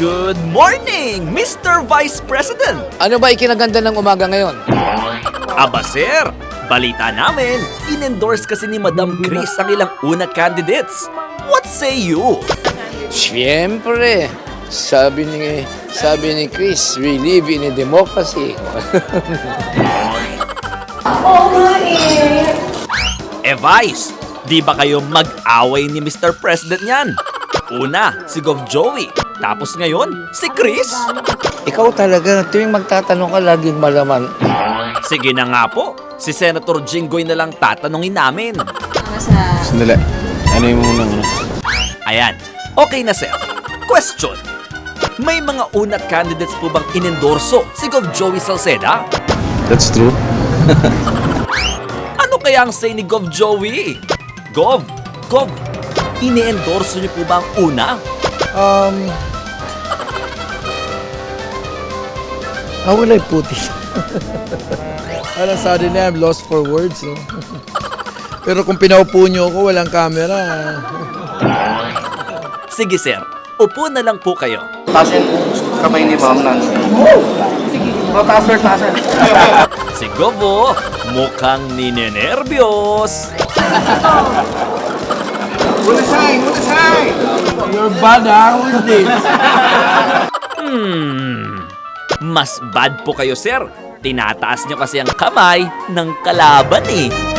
Good morning, Mr. Vice President! Ano ba ikinaganda ng umaga ngayon? Aba sir, balita namin, in-endorse kasi ni Madam Chris ang ilang una candidates. What say you? Siyempre, sabi ni Chris, we live in a democracy. Vice, di ba kayo mag-away ni Mr. President yan? Una, si Gov Joey. Tapos ngayon, si Chris. Ikaw talaga, tuwing magtatanong ka, laging malaman. Sige na nga po, si Senator Jinggoy na lang tatanungin namin. Sandali. Ano yung unang ano? Ayan, okay na sir. Question. May mga una candidates po bang inendorso si Gov Joey Salceda? That's true. Ano kaya ang say ni Gov Joey? Gov, ini-endorso niyo po ba ang una? How will I put it? Parang suddenly I'm lost for words. No? Pero kung pinaupo nyo ako, walang camera. Sige sir, upo na lang po kayo. Taas yung kamay ni Ma'am Nancy. Sige. Taas sir, taas sir. Si Govo, mukhang ninenervyos. Bulasay! You're bad, ha? Who is this? Mas bad po kayo sir. Tinataas niyo kasi ang kamay ng kalaban eh.